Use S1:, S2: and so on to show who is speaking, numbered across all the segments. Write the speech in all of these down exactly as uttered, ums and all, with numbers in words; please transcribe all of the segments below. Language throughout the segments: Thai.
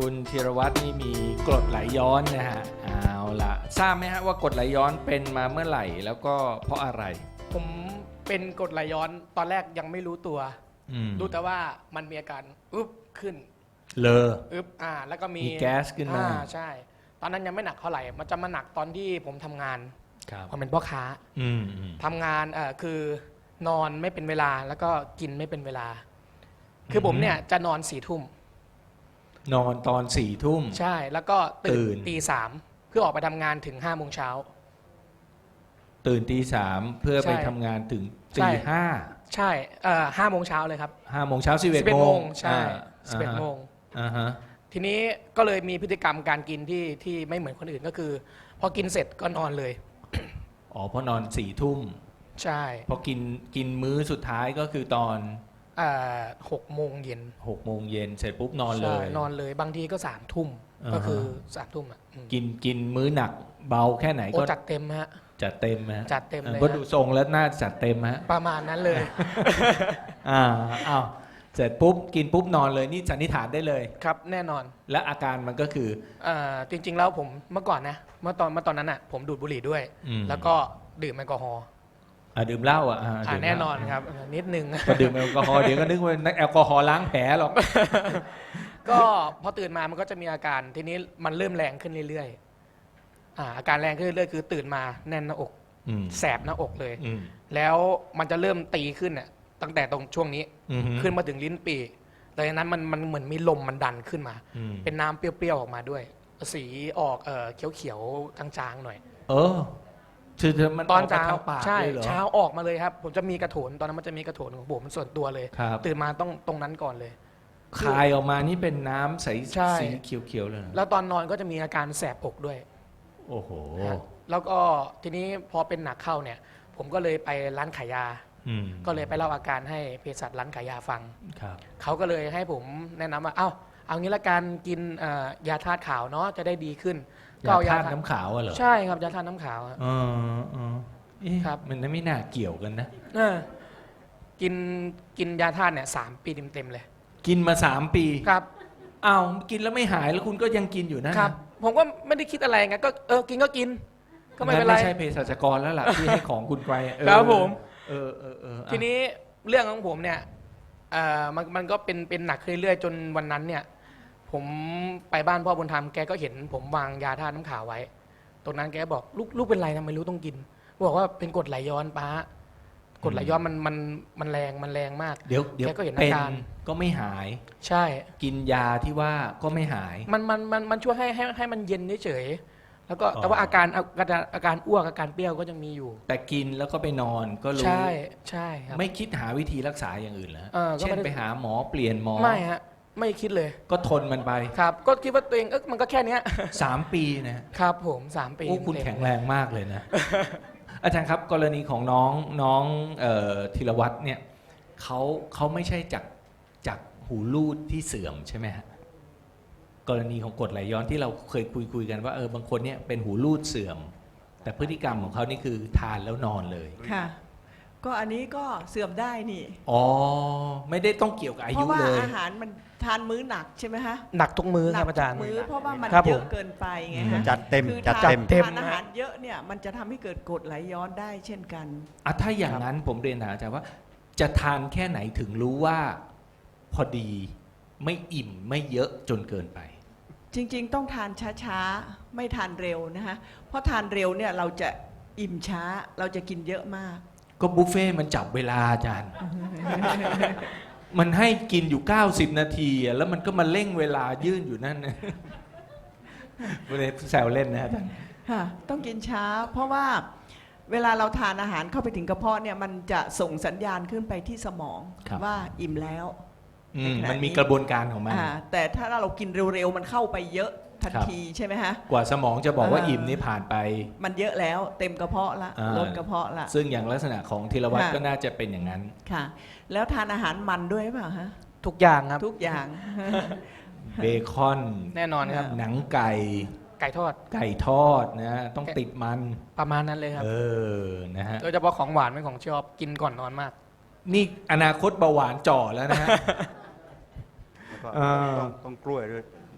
S1: คุณธีรวัตรนี่มีกรดไหลย้อนนะฮะเอาละทราบไหมฮะว่ากรดไหลย้อนเป็นมาเมื่อไหร่แล้วก็เพราะอะไร
S2: ผมเป็นกรดไหลย้อนตอนแรกยังไม่รู้ตัว
S1: อืม
S2: รู้แต่ว่ามันมีอาการอึบขึ้น
S1: เลอ
S2: อึบอ่าแล้วก็มี
S1: มีแก๊สขึ้นมา
S2: อ่ใช่ ตอนนั้นยังไม่หนักเท่าไหร่มันจะมาหนักตอนที่ผมทำงาน
S1: ครับ
S2: ผมเป็นพ่อค้า
S1: อืมอืม
S2: ทำงานเอ่อคือนอนไม่เป็นเวลาแล้วก็กินไม่เป็นเวลา คือผมเนี่ยจะนอนสี่ทุ่ม
S1: นอนตอนสี่ทุ่ม
S2: ใช่แล้วก็
S1: ตื่
S2: ตื่
S1: น
S2: นตีสามเพื่อออกไปทำงานถึงห้าโมงเช้า
S1: ตื่นตีสามเพื่อ
S2: ใช่
S1: ไปทำงานถึง
S2: ใช่
S1: ตีห้า
S2: ใช่เอ่อห้าโมงเช้าเลยครับ
S1: ห้าโมงเช้าสิบเอ็ด
S2: สิบเอ็ด
S1: โม
S2: โม
S1: ง
S2: งใช่สิบเอ็ดโมง
S1: อ่าฮะ
S2: ทีนี้ก็เลยมีพฤติกรรมการกินที่ที่ไม่เหมือนคนอื่นก็คือ พอกินเสร็จก็นอนเลย
S1: อ๋อเพราะนอนสี่ทุ่ม
S2: ใช่
S1: พอกินกินมื้อสุดท้ายก็คือตอน
S2: เอ่อหกโมงเย็น
S1: หกโมงเย็นเสร็จปุ๊บนอนเล
S2: ใช่
S1: ย
S2: นอนเลยบางทีก็สามทุ่ม
S1: อ่าฮะ
S2: ก็คือสามทุ่มอ่ะอืม
S1: กินกินมื้อหนักเบาแค่ไหน
S2: โอ้
S1: ก็
S2: จัดเต็มฮะ
S1: จัดเต็มฮะ
S2: จัดเต็มเลย
S1: ก็
S2: ฮะ
S1: ดูทรงแล้วน่าจัดเต็มฮะ
S2: ประมาณนั้นเลย
S1: อ่าอ้าวเสร็จปุ๊บกินปุ๊บนอนเลยนี่สันนิษฐานได้เลย
S2: ครับแน่นอน
S1: และอาการมันก็คือ
S2: เอ่อจริง ๆ แล้วผมเมื่อก่อนนะเมื่อตอนเมื่อตอนนั้นอ่ะผมดูดบุหรี่ด้วย
S1: อืม
S2: แล้วก็ดื่มแอลกอฮอล์
S1: อ่าดื่มเหล้าอ่ะอ่า
S2: อ่า
S1: ดื่มเหล้า
S2: แน่นอนครับเออนิดนึง
S1: พอดื่มแอลกอฮอล์เดี๋ยวก็นึกว่านักแอลกอฮอล์ล้างแผลหรอก
S2: ก็พอตื่นมามันก็จะมีอาการทีนี้มันเริ่มแรงขึ้นเรื่อยๆอ่าอาการแรงขึ้นเรื่อยๆคือตื่นมาแน่นหน้าอก
S1: อืม
S2: แสบหน้าอกเลย
S1: อืม
S2: แล้วมันจะเริ่มตีขึ้นน่ะตั้งแต่ตรงช่วงนี้
S1: อืม
S2: ขึ้นมาถึงลิ้นปีแต่จากนั้นมันมันเหมือนมีลมมันดันขึ้นมา
S1: อืม
S2: เป็นน้ำเปรี้ยวๆออกมาด้วย สีออกเอ่อเขียวๆจางๆหน่อย
S1: เออคือมัน
S2: ตอน
S1: กม
S2: เช้า
S1: ทงปาก
S2: ใช่
S1: เลยเหรอ
S2: เช้าออกมาเลยครับ ผมจะมีกระโถนตอนนั้นมันจะมีกระโถนของผมส่วนตัวเลย
S1: ครับ
S2: ตื่นมาต้องตรงนั้นก่อนเลย
S1: คายออกมานี่เป็นน้ำใส
S2: ใช่
S1: สีเขียวๆเลยเหรอ
S2: แล้วตอนนอนก็จะมีอาการแสบอกด้วย
S1: โอ้โห
S2: ฮะแล้วก็ทีนี้พอเป็นหนักเข้าเนี่ย ผมก็เลยไปร้านขายยา
S1: อืม
S2: ก็เลยไปเล่าอาการให้เภสัชร้านขายยาฟัง
S1: ครับ
S2: เขาก็เลยให้ผมแนะนำว่า เอ้า เอางี้ละกันกินเอ่อยาธาตุขาวเนาะ จะได้ดีขึ้น
S1: ยา
S2: เอ
S1: ธาตุน้ำขาวอะเหรอ
S2: ใช่ครับ ยาธาตุน้ำขาวอะ
S1: เออเออเอ๊ะ
S2: ครับ
S1: มันไม่น่าเกี่ยวกันนะ
S2: เออกินกินยาธาตุเนี่ยสามปีเต็มๆเลย
S1: กินมาสามปี
S2: ครับ
S1: อ้าวกินแล้วไม่หายแล้วคุณก็ยังกินอยู่นะครับ
S2: ผมก็ไม่ได้คิดอะไรไง ก็เออ กินก็กิน ก็ไม่เป็นไร
S1: งั้ไม่ใช่เภสัชกรแล้วล่ะ ที่ให้ของคุณไปเออ
S2: ครับผม
S1: เออเออเอออ่ะ
S2: ทีนี้เรื่องของผมเนี่ยเอ่อมันมันก็เป็นเป็นหนักขึ้นเรื่อยๆจนวันนั้นเนี่ย ผมไปบ้านพ่อบุญธรรมแกก็เห็นผมวางยาธาตุน้ำขาวไว้ ตรงนั้นแกบอกลูกลูกเป็นไรทำไมรู้ต้องกินบอกว่าเป็นกรดไหลย้อนป้ากรดไหลย้อนมันมันมันแรงมันแรงมาก
S1: เดี๋ยวเดี๋ยว
S2: แกก็เห็น
S1: เป็น
S2: อาการ
S1: ก็ไม่หาย
S2: ใช่
S1: กินยาที่ว่าก็ไม่หาย
S2: มันมันมันมันช่วยให้ให้ให้มันเย็นเฉยๆแล้วก็
S1: อ๋อ
S2: แต่ว่าอาการอาการอาการอ้วกอาการเปรี้ยวก็ยังมีอยู่
S1: แต่กินแล้วก็ไปนอนก็รู้
S2: ใช่ใช่ครับ
S1: ไม่คิดหาวิธีรักษาอย่างอื่นเหรอ
S2: เออก็
S1: เช่
S2: ไม่
S1: น
S2: ได้
S1: ไปหาหมอเปลี่ยนหมอ
S2: ไม่ฮะไม่คิดเลย
S1: ก็ทนมันไป
S2: ครับ ก็คิดว่าตัวเองเอ๊ะมันก็แค่เนี้ย
S1: สามปีนะ
S2: ครับผมสามปี
S1: โอ้คุณ
S2: เต็มๆ
S1: แข็งแรงมากเลยนะ อาจารย์ครับกรณีของน้องน้องเอ่อธีรวัตรเนี่ยเขาเขาไม่ใช่จากจากหูรูดที่เสื่อมใช่ไหมฮะกรณีของกรดไหลย้อนที่เราเคยคุยคุยกันว่าเออบางคนเนี่ยเป็นหูรูดเสื่อม แต่พฤติกรรมของเขานี่คือทานแล้วนอนเลย
S3: ค่ะ ก็อันนี้ก็เสื่อมได้นี่
S1: อ๋อไม่ได้ต้องเกี่ยวกับอา
S3: เพ
S1: ยุ
S3: ราะว่า
S1: เลย
S3: อาหารมันทานมื้อหนักใช่ไหมฮะ
S2: หนักทุกมื้อ
S3: ห
S2: ค
S3: นั
S2: รับอาจารย์
S3: มื้อเพราะว่ามัน
S2: ครับ
S3: เย
S2: ผ
S3: อะ
S2: ม
S3: เกินไปไง
S1: อื
S3: ฮะ
S1: ม
S4: จัดเต็ม
S3: คือ
S4: จัด
S3: ทาน
S4: เต็ม
S2: เต็ม
S3: ทานอาหารเยอะเนี่ยมันจะทำให้เกิดกรดไหลย้อนได้เช่นกัน
S1: อ่ะถ้าอย่างนั้นผมเรียนถามอาจารย์ว่า จะทานแค่ไหนถึงรู้ว่าพอดีไม่อิ่มไม่เยอะจนเกินไป
S3: จริงๆ ต้องทานช้าๆ ไม่ทานเร็วนะคะเพราะทานเร็วเนี่ยเราจะอิ่มช้าเราจะกินเยอะมาก
S1: ก็บุฟเฟ่ต์มันจับเวลาอาจารย์ มันให้กินอยู่เก้าสิบนาทีอะแล้วมันก็มาเร่งเวลายื่นอยู่นั่นนะ ไม่ได้แซวเล่นนะอาจารย์
S3: ค่ะต้องกินช้า เพราะว่าเวลาเราทานอาหารเข้าไปถึงกระเพาะเนี่ยมันจะส่งสัญญาณขึ้นไปที่สมองว่าอิ่มแล้ว
S1: อืม
S3: ในขณะ
S1: มันมี
S3: นี้
S1: กระบวนการของมัน
S3: อ่าแต่ถ้าเรากินเร็วๆ มันเข้าไปเยอะทัน
S1: ครับ
S3: ทีใช่ไหมฮะ
S1: กว่าสมองจะบอกว่า
S3: อ่า
S1: อิ่มนี่ผ่านไป
S3: มันเยอะแล้วเต็มกระเพาะละ
S1: อ่า
S3: ลดกระเพาะละ
S1: ซึ่งอย่างลักษณะของธีรวัตร
S3: ค่ะ
S1: ก็น่าจะเป็นอย่างนั้น
S3: ค่ะ แล้วทานอาหารมันด้วยหรือเปล่าฮะ
S2: ทุกอย่างครับ
S3: ทุกอย่าง
S1: เบคอน
S2: แน่นอนครับ
S1: หนังไก่
S2: ไก่ทอด
S1: ไก่ทอดนะ ต้องติดมัน
S2: ประมาณนั้นเลยครับ
S1: เออนะฮะ
S2: โดยเฉพาะของหวานเป็นของชอบกินก่อนนอนมาก
S1: นี่อนาคตเบาหวานจ่อแล้วนะฮะ
S4: แล้วก็
S1: อ่า
S4: ต้องต้องกล้วยด้วย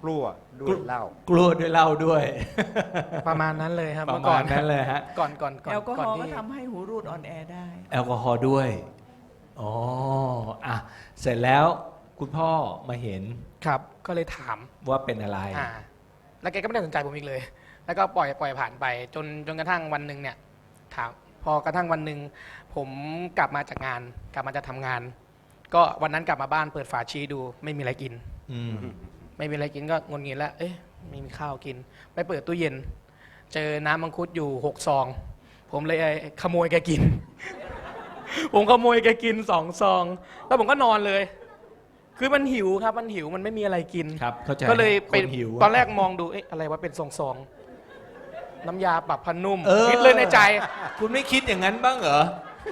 S4: กลัวด้วยเหล้าก
S1: ลัวด้วยเหล้าด้วย
S2: ประมาณนั้นเลยครับ
S1: ประ
S2: เมื่อก่อ
S1: มาน ณนั้นเลยฮะ
S2: ก่อนก่อนก่อน
S3: แอลกอฮ
S2: ก่อน
S3: อล์ก็
S2: ที่
S3: ทำให้หูรูดอ่อนแอได้
S1: แอลกอฮอล์ด้วยอ๋ออ่ะเสร็จแล้วคุณพ่อมาเห็น
S2: ครับ ก็เลยถาม
S1: ว่าเป็นอะไร
S2: อ่า แล้วแกก็ไม่ได้สนใจผมอีกเลย แล้วก็ปล่อยปล่อยผ่านไป จนจนกระทั่งวันหนึ่งเนี่ยถามพอกระทั่งวันหนึ่งผมกลับมาจากงาน กลับมาจะทำงาน ก็วันนั้นกลับมาบ้านเปิดฝาชีดู ไม่มีอะไรกิน
S1: อืม
S2: ไม่มีอะไรกินก็งนงินแล้ว เอ๊ะไม่มีข้าวกิน ไปเปิดตู้เย็น เจอน้ำมังคุดอยู่หกซอง ผมเลยขโมยแกกิน ผมขโมยแกกินสองซอง แล้วผมก็นอนเลย คือมันหิวครับ มันหิว มันไม่มีอะไรกิน
S1: ครับเข้าใจ
S2: ก็เลย
S1: ค
S2: ไป
S1: นหิว
S2: ตอนแรกมองดู เอ๊ะอะไรวะ เป็นซองซองๆน้ำยาปรับผ้านุ่ม
S1: เออ
S2: คิดเลยในใจ
S1: คุณไม่คิดอย่างนั้นบ้างเหรอ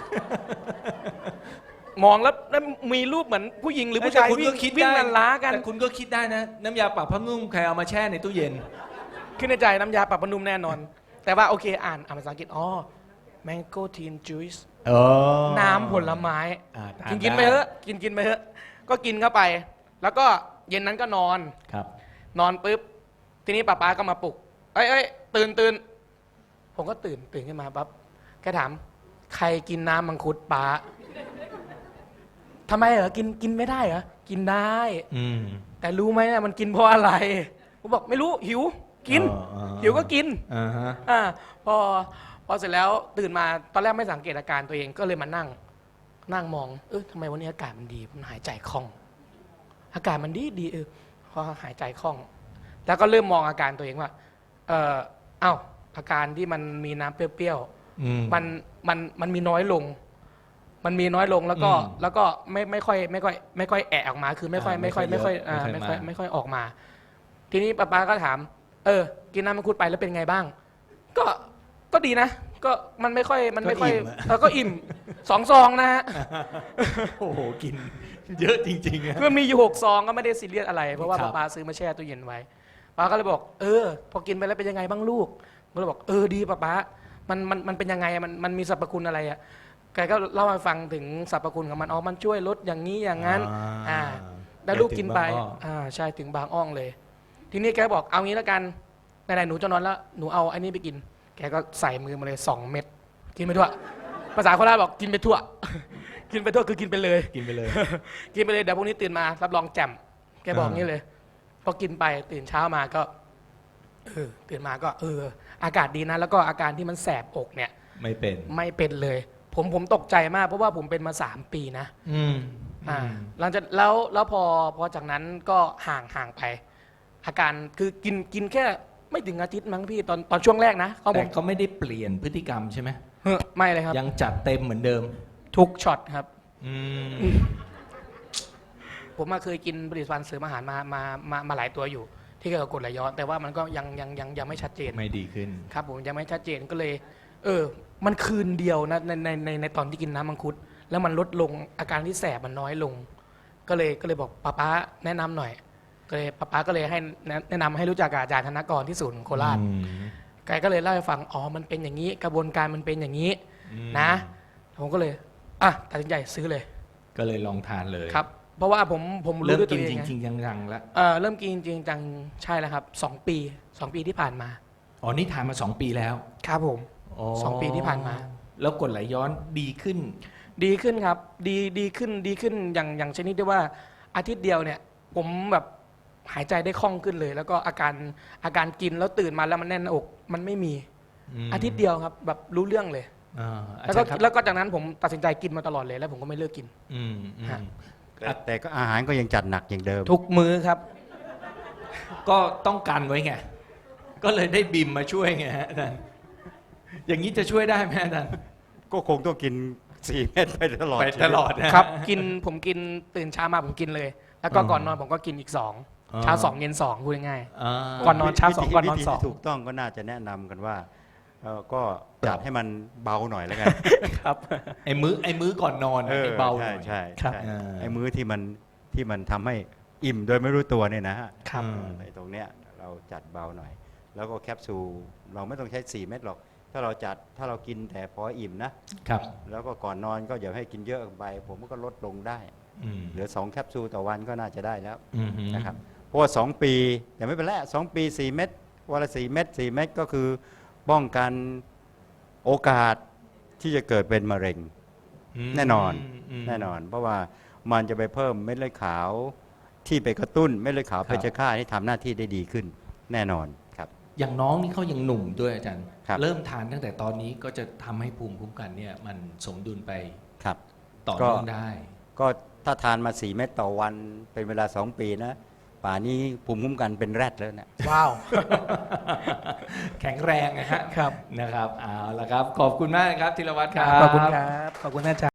S2: มองแล้วแล้วมีรูปเหมือนผู้หญิงหรือผู้ชาย
S1: แต่คุณ
S2: วิ่
S1: ก็
S2: ง
S1: คิด
S2: วิ่ง
S1: ได้
S2: ลันล้ากัน
S1: แต่คุณก็คิดได้นะ น้ำยาปรับผ้านุ่มใครเอามาแช่ในตู้เย็น
S2: ขึ้นในใจน้ำยาปรับผ้านุ่มแน่นอน แต่ว่าโอเคอ่านอ่านภาษาอังกฤษ อ๋อ mango teen juice
S1: เออ
S2: น้ำผลไม้
S1: อ่าทา
S2: กินกินไป
S1: ด้
S2: เถอะกินกินไปเถอะก็กินเข้าไป แล้วก็เย็นนั้นก็นอน
S1: ครับ
S2: นอนปุ๊บ ทีนี้ป้าป๊าก็มาปลุก เอ้ยเอ้ยตื่นตื่นผมก็ตื่นตื่นขึ้นมาปั๊บแกถาม ใครกินน้ำมังคุดป้าทำไมเหรอกินกินไม่ได้เหรอกินได้
S1: อืม
S2: แต่รู้ไหมเนี่ยมันกินเพราะอะไรผมบอกไม่รู้หิวกิน
S1: อ๋ออ๋อ
S2: หิวก็กิน
S1: อ่าฮะ
S2: อ่าพอพอเสร็จแล้วตื่นมาตอนแรกไม่สังเกตอาการตัวเองก็เลยมานั่ง นั่งมองเออทำไมวันนี้อากาศมันดีมันหายใจคล่อง อากาศมันดีดีเออพอหายใจคล่อง แล้วก็เริ่มมองอาการตัวเองว่าเออเอ้าอาการที่มันมีน้ำเปรี้ยว
S1: อืม
S2: ๆมันมันมันมีน้อยลง มันมีน้อยลงแล้วก็
S1: อืม
S2: แล้วก็ไม่ไม่ค่อยไม่ค่อยไม่ค่อยแอะออกมา คือไม่ค่อย
S1: อ่า
S2: ไม่ค่อย
S1: ไม่
S2: ไม่
S1: ค่
S2: ค่
S1: อ
S2: อย ย
S1: เยอะ
S2: อ่า
S1: ไม่
S2: ไม่
S1: ค่
S2: ค่
S1: อ
S2: อย ย
S1: มา
S2: ไม่ค่อยออกมา ทีนี้ป้าป๊าก็ถาม เออ กินน้ำมังคุดไปแล้วเป็นไงบ้าง ก็ก็ดีนะ ก็มันไม่ค่อยมันไม่ค่อย
S1: ก็อิ่มอะ
S2: เออก็อิ่มสองซองนะฮะ
S1: โอ้โหกิน เยอะจริงๆอะ
S2: คือมีอยู่หกซองก็ไม่ได้ซีเรียสอะไร เพราะว่า
S1: ครับ
S2: ป้าซื้อมาแช่ตู้เย็นไว้ป้าก็เลยบอก เออ พอกินไปแล้วเป็นยังไงบ้างลูกผมก็เลยบอกเออดีป้าป๊ามันมันมันเป็นยังไงอะมันมันมีสรรพคุณอะไรอ่ะแกก็เล่าให้ฟังถึงสรรพคุณของมันอ๋อมันช่วยลดอย่างนี้อย่างนั้น อ่า แล้วลูกกินไป
S1: เดี๋ยวถึงบางอ้อ
S2: อ่าใช่ถึงบางอ้องเลย ทีนี้แกบอกเอางี้แล้วกันไหนๆหนูจะนอนแล้วหนูเอาอันนี้ไปกิน แกก็ใส่มือมาเลยสองเม็ดกินไปทั่วภาษาโคราชบอกกินไปทั่ว กินไปทั่วคือกินไปเลย
S1: กินไปเลย
S2: กินไปเลยเดี๋ยวพรุ่งนี้ตื่นมารับรองแจ่มแกบอกงี้เลยพอกินไปตื่นเช้ามาก็เออตื่นมาก็ เออ อากาศดีนะ แล้วก็อาการที่มันแสบอกเนี่ย
S1: ไม่เป็น
S2: ไม่เป็นเลย ผมผมตกใจมากเพราะว่าผมเป็นมาสามปีนะ
S1: อืม
S2: อ่าหลังจากแล้วแล้วพอพอจากนั้นก็ห่างห่างไป อาการคือกินกินแค่ไม่ถึงอาทิตย์มั้งพี่ตอนตอนช่วงแรกนะเขาผ
S1: แต่
S2: ม
S1: เขาไม่ได้เปลี่ยนพฤติกรรมใช่ไหม
S2: เฮ้อไม่เลยครับ
S1: ยังจัดเต็มเหมือนเดิม
S2: ทุกช็อตครับ
S1: อืม
S2: ผมมาเคยกินผลิตภัณฑ์เสริมอาหารมามามามาหลายตัวอยู่ ที่เกี่ยวกับกรดไหลย้อน แต่ว่ามันก็ยังยังยังยังไม่ชัดเจน
S1: ไม่ดีขึ้น
S2: ครับผมยังไม่ชัดเจนก็เลย เออ มันคืนเดียวนะในในในในตอนที่กินน้ำมังคุด แล้วมันลดลงอาการที่แสบมันน้อยลง ก็เลยก็เลยบอกป้าป๊าแนะนำหน่อย ก็เลยป้าป๊าก็เลยให้แนะแนะนำให้รู้จักกับอาจารย์ธนกรที่ศูนย์โคราช
S1: อืม
S2: แกก็เลยเล่าให้ฟังอ๋อมันเป็นอย่างนี้ กระบวนการมันเป็นอย่างนี้
S1: อืม
S2: นะผมก็เลยอ่ะตัดสินใจซื้อเลย
S1: ก็เลยลองทานเลย
S2: ครับ เพราะว่าผมผมรู้
S1: เริ่ม
S2: ด้วยตั
S1: กิ
S2: วน เอง
S1: จ
S2: ไง
S1: ริงๆจังๆแล้ว
S2: เออเริ่มกินจริงจังใช่แล้วครับสองปีสองปีที่ผ่านมา
S1: อ๋อนี่ทานมาสองปีแล้ว
S2: ครับผม สองปีที่ผ่านมา
S1: แล้วกรดไหลย้อนดีขึ้น
S2: ดีขึ้นครับ ดีดีขึ้นดีขึ้นอย่างอย่างชนิดที่ว่าอาทิตย์เดียวเนี่ย ผมแบบหายใจได้คล่องขึ้นเลย แล้วก็อาการอาการกินแล้วตื่นมาแล้วมันแน่นหน้าอกมันไม่มี
S1: ม
S2: อาทิตย์เดียวครับ แบบรู้เรื่องเลย
S1: อ่าอา
S2: แล้ว
S1: จา
S2: ก็
S1: รย์ครับ
S2: แล้วก็จากนั้นผมตัดสินใจกินมาตลอดเลย แล้วผมก็ไม่เลิกกิน
S1: อืมอืม
S2: ฮะ
S4: แต่แต่ก็อาหารก็ยังจัดหนักอย่างเดิม
S2: ทุกมื้อครับ
S1: ก็ต้องกันไว้ไง ก็เลยได้บิมมาช่วยไงฮะอาจารย์อย่างนี้จะช่วยได้ไหมอาจารย์
S4: ก็คงต้องกินสี่เม็ดไปตลอด
S1: ไป
S4: ชีวิ
S1: ตลอดนะ
S2: ครับ กินผมกินตื่นเช้ามาผมกินเลย แล้วก็
S1: อืม
S2: ก่อนนอนผมก็กินอีกสอง
S1: อ๋อ
S2: เช้าสองเย็นสองพูดง่าย
S1: อ่า
S2: ก่อนนอนเช้าสอง
S4: วิธี
S2: ก่อนนอน
S4: วิธี
S2: สอง
S4: ที่ถูกต้องก็น่าจะแนะนำกันว่าเอ่อก็จัดให้มันเบาหน่อยแล้วกัน
S2: ๆครับ
S1: ไอ้มื้อไอ้มื้อก่อนนอน
S4: เออ
S1: ไอ้เบาห
S4: ใช่
S1: น่อย
S4: ใช่
S2: ครับ
S4: ใช่
S1: อ่า
S4: ไอ้มื้อที่มันที่มันทำให้อิ่มโดยไม่รู้ตัวเนี่ยนะฮะ
S2: ครับ
S1: อืม
S4: ไอ้ตรงเนี้ยเราจัดเบาหน่อย แล้วก็แคปซูลเราไม่ต้องใช้สี่เม็ดหรอก ถ้าเราจัดถ้าเรากินแต่พออิ่มนะ
S1: ครับ
S4: แล้วก็ก่อนนอนก็อย่าให้กินเยอะไป ผมก็ลดลงได้
S1: อืม
S4: เหลือสองแคปซูลต่อวันก็น่าจะได้แล้ว
S1: อืม
S4: นะครับเพราะว่าสองปีแต่ไม่เป็นไรสองปีสี่เม็ดวันละสี่เม็ดสี่เม็ดก็คือป้องกันโอกาสที่จะเกิดเป็นมะเร็ง
S1: ม
S4: แน่นอน
S1: ม
S4: แน่นอน เพราะว่ามันจะไปเพิ่มเม็ดเลือดขาวที่ไปกระตุ้นเม็ดเลือดขาว
S1: ครับ
S4: เพชฌฆาตให้ทำหน้าที่ได้ดีขึ้นแน่นอนครับ
S1: อย่างน้องนี่เขายังหนุ่มด้วยอาจารย์
S4: ครับ
S1: เริ่มทานตั้งแต่ตอนนี้ก็จะทำให้ภูมิคุ้มกันเนี่ยมันสมดุลไป
S4: ครับ
S1: ต่อ
S4: ก็
S1: เนื่องได้
S4: ก็ถ้าทานมาสี่เม็ดต่อวันเป็นเวลาสองปีนะป่านนี้ภูมิคุ้มกันเป็นแรดแล้วนะ
S2: ว้าว
S1: แข็งแรงนะฮะ
S2: ครับ
S1: นะครับเอาละครับ ขอบคุณมากนะครับธีรวัตรครับ
S2: ขอบคุณครับ ขอบคุณอาจารย์